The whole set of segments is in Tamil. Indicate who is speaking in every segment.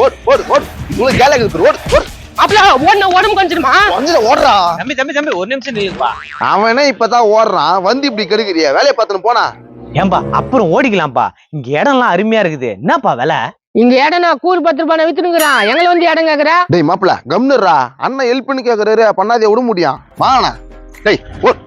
Speaker 1: உங்களுக்கு கேல இருக்குது ஓடு
Speaker 2: அப்பல உடம்பு கொஞ்சமா
Speaker 1: கொஞ்சம் ஓடுறா.
Speaker 3: தம்பி ஒரு நிமிஷம் நில்லுப்பா.
Speaker 1: அவனே இப்பதான் ஓடுறான், வந்து இப்படி கெடுக்கிறிய, வேலையை பார்த்துன்னு போனா.
Speaker 3: ஏன்பா அப்புறம் ஓடிக்கலாம்ப்பா, இங்க இடம்லாம் அருமையா இருக்குது. என்னப்பா விலை?
Speaker 2: இங்க இடம் நான் கூறு 10 ரூபாய் வித்துனுக்குறான், எங்களை வந்து இடம் கேக்குற.
Speaker 1: டேய் மாப்பிள கம்னுறா, அண்ணன் ஹெல்ப் பண்ணி கேக்குறாரு, பண்ணாதே விட முடியும். வாங்கண்ணா. டேய்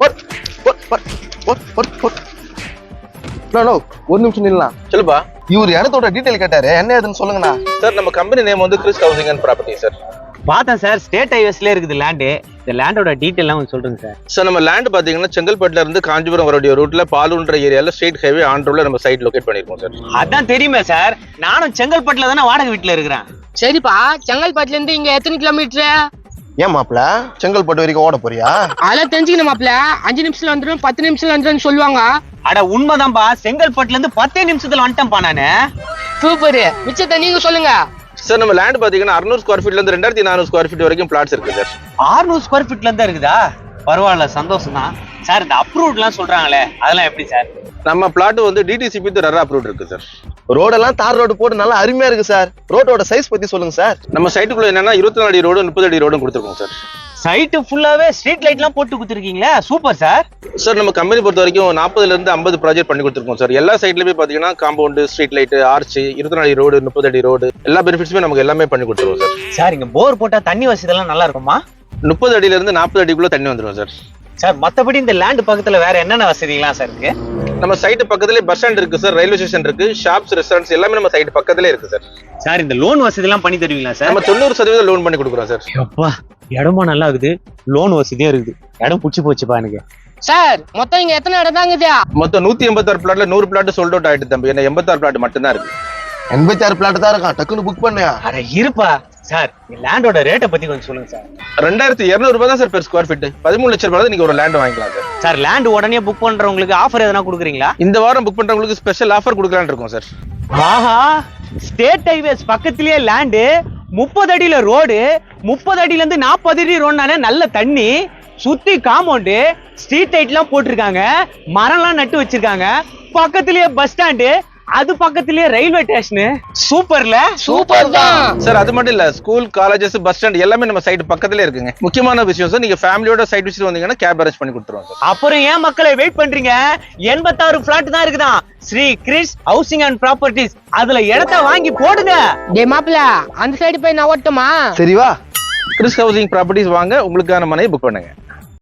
Speaker 1: ஒரு நிமிஷம் நில்லாம்.
Speaker 4: சொல்லுப்பா.
Speaker 1: இவர் இடத்தோட டீடைல் கேட்டாரு, என்ன ஏதுன்னு சொல்லுங்கண்ணா.
Speaker 4: சார் நம்ம கம்பெனி நேம் வந்து Kris housing and property sir.
Speaker 3: பார்த்தேன் சார், ஸ்டேட் ஹைவேஸ்ல இருக்குது லேண்டு. இந்த லேண்டோட டீடைல்லாம் கொஞ்சம் சொல்றேங்க சார்.
Speaker 4: சார் நம்ம லேண்ட் பாத்தீங்கன்னா செங்கல்பட்டுல இருந்து காஞ்சிபுரம் வரக்கூடிய ரூட்ல பாலூன்ற ஏரியால ஸ்ட்ரெயிட் ஹைவே ஆண்ட்ரோல நம்ம சைட் லொகேட் பண்ணிருக்கோம் சார்.
Speaker 3: அதான் தெரியுமே சார், நானும் செங்கல்பட்டுல தானே வாடகை வீட்டுல இருக்கிறேன்.
Speaker 2: சரிப்பா, செங்கல்பட்டுல இருந்து இங்க எத்தனை கிலோமீட்டர்?
Speaker 1: ஏன் மாப்பிள செங்கல்பட்டு வரைக்கும் ஓட போறியா?
Speaker 2: அதெல்லாம் தெரிஞ்சுக்கணும் மாப்பிள. 5 நிமிஷத்துல வந்துடும், 10 நிமிஷத்துல வந்துடும் சொல்லுவாங்க.
Speaker 3: அட உண்மைதான்பா, செங்கல்பட்டுல இருந்து 10 நிமிஷத்துல வந்துட்டேன்பா நானு.
Speaker 2: சூப்பர், மிச்சத்தை நீங்க சொல்லுங்க.
Speaker 4: சார் நம்ம லேண்ட் பாத்தீங்கன்னா 600 ஸ்கொயர் ஃபீட்ல இருந்து 2400 ஸ்கொயர் ஃபீட் வரைக்கும் பிளாட்ஸ் இருக்கு சார்.
Speaker 3: 600 ஸ்கொயர் ஃபீட்ல இருந்தா இருக்குதா? பரவாயில்ல, சந்தோஷம் தான் சார். இந்த அப்ரூவ்ட் எல்லாம் சொல்றாங்களே, அதெல்லாம் எப்படி சார்?
Speaker 4: நம்ம பிளாட் வந்து டிடிசிபி ரெரா அப்ரூவ்ட் இருக்கு சார்.
Speaker 1: ரோடெல்லாம் தார் ரோடு போட்டு நல்லா அருமையா இருக்கு சார். ரோடோட சைஸ் பத்தி சொல்லுங்க சார்.
Speaker 4: நம்ம சைட்டுக்குள்ள என்னன்னா 24 அடி ரோடு 30 அடி ரோடும் கொடுத்துருக்கோம் சார்.
Speaker 3: சைட்டு ஃபுல்லாவே ஸ்ட்ரீட் லைட் எல்லாம் போட்டு கொடுத்துருக்கீங்களா? Super sir.
Speaker 4: சார் நம்ம கம்பெனி பொறுத்த வரைக்கும் 40ல இருந்து 50 ப்ராஜெக்ட் பண்ணி கொடுத்துருக்கோம் சார். எல்லா சைட்லயுமே பாத்தீங்கன்னா காம்பவுண்ட், ஸ்ட்ரீட் லைட், ஆர்ச், 24 அடி ரோடு, 30 அடி ரோடு, எல்லா பெனிஃபிட்ஸுமே நமக்கு எல்லாமே பண்ணி கொடுத்துருவோம் சார்.
Speaker 3: சார் இங்க போர் போட்டா தண்ணி வசதி எல்லாம் நல்லா இருக்குமா?
Speaker 4: 30 அடியில இருந்து 40 அடிக்குள்ள தண்ணி வந்துடும் சார்.
Speaker 3: சார் மத்தபடி இந்த லேண்ட் பக்கத்துல வேற என்னென்ன வசதிலாம் சார் இருக்கு?
Speaker 4: நம்ம சைட்டு பக்கத்துலேயே பஸ் ஸ்டாண்ட் இருக்கு சார், ரயில்வே ஸ்டேஷன் இருக்கு, ஷாப்ஸ், ரெஸ்டாரண்ட்ஸ் எல்லாமே நம்ம சைட்டு பக்கத்துலேயே இருக்கு சார்.
Speaker 3: சார் இந்த லோன் வசதி எல்லாம் பண்ணி தருவீங்களா சார்?
Speaker 4: நம்ம 90% லோன் பண்ணி கொடுக்குறோம் சார்.
Speaker 3: அப்பா இடமும் நல்லா இருக்குது, லோன் வசதியும் இருக்குது. இடம் புடிச்சு போச்சுப்பா எனக்கு.
Speaker 2: சார் மொத்தம் இங்க எத்தனை இடம் தாங்க?
Speaker 4: மொத்தம் 186 பிளாட்ல 100 பிளாட் சோல்ட் அவுட் ஆயிட்டு தம்பி. என்ன 86 பிளாட் மட்டும் தான் இருக்கு.
Speaker 1: 86 பிளாட் தான் இருக்கான், டக்குன்னு புக் பண்ணியா?
Speaker 3: அட இருப்பா சார், லேண்டோட ரேட்டை பத்தி கொஞ்சம் சொல்லுங்க சார்.
Speaker 4: 2200 ரூபாய் தான் சார் பெர் ஸ்கொயர் ஃபீட். 13 லட்சம் ரூபாய் நீங்க ஒரு லேண்ட் வாங்கிக்கலாம் சார்.
Speaker 3: சார் லேண்ட் உடனே புக் பண்றவங்களுக்கு ஆஃபர் எதனா கொடுக்குறீங்களா?
Speaker 4: இந்த வாரம் புக் பண்றவங்களுக்கு ஸ்பெஷல் ஆஃபர் கொடுக்கலாம்னு இருக்கோம் சார்.
Speaker 3: ஆஹா, ஸ்டேட் ஹைவேஸ் பக்கத்திலேயே லேண்டு, 30 அடியில ரோடு, 30 அடியில இருந்து 40 அடி ரோடுனாலே நல்ல தண்ணி, சுத்தி காம்பவுண்டு, ஸ்ட்ரீட் லைட் எல்லாம் போட்டிருக்காங்க, மரம்லாம் நட்டு வச்சிருக்காங்க, பக்கத்திலேயே பஸ் ஸ்டாண்டு, அது பக்கத்திலேயே ரயில்வே ஸ்டேஷன். சூப்பர்ல?
Speaker 2: சூப்பர் தான்
Speaker 4: சார். அது மட்டும் இல்ல, ஸ்கூல், காலேஜஸ், பஸ் ஸ்டாண்ட் எல்லாமே நம்ம சைட் பக்கத்திலே இருக்குங்க. முக்கியமான விஷயம் சார், நீங்க ஃபேமிலியோட சைட் விசிட் வந்தீங்கன்னா கேப் அரேஞ்ச் பண்ணி கொடுத்துருவோம் சார்.
Speaker 3: அப்புறம் ஏன் மக்களை வெயிட் பண்றீங்க? 86 பிளாட் தான் இருக்குதான் Sri Kris housing and properties. அதுல இடத்தை வாங்கி போடுங்க.
Speaker 2: டே மாப்பிள, அந்த சைடு போய் நான் ஓட்டுமா?
Speaker 1: சரி வா.
Speaker 4: கிறிஸ் ஹவுசிங் ப்ராப்பர்ட்டிஸ் வாங்க, உங்களுக்கான மனையை புக் பண்ணுங்க.